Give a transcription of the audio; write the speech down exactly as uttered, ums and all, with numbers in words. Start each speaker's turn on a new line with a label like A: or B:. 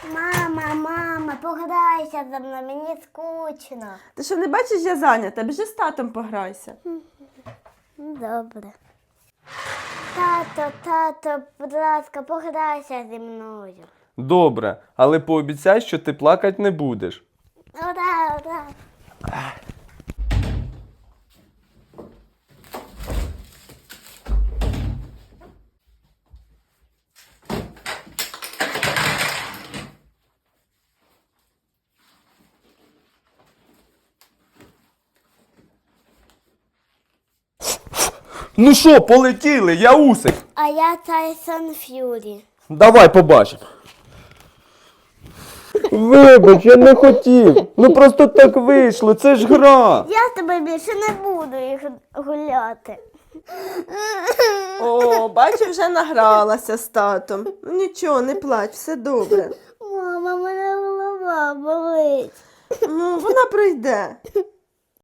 A: Мама, мама, пограйся за мною, мені скучно.
B: Ти що, не бачиш, я зайнята? Біжи з татом пограйся.
A: Добре. Тато, тато, будь ласка, пограйся зі мною.
C: Добре, але пообіцяй, що ти плакати не будеш.
A: Ура, ура.
C: Ну що, полетіли, я Усик.
A: А я Тайсон Ф'юрі.
C: Давай побачимо. Вибач, я не хотів. Ну просто так вийшло, це ж гра.
A: Я з тобою більше не буду їх гуляти.
B: О, бачу, вже награлася з татом. Ну нічого, не плач, все добре.
A: Мама, мене голова болить.
B: Ну, вона пройде.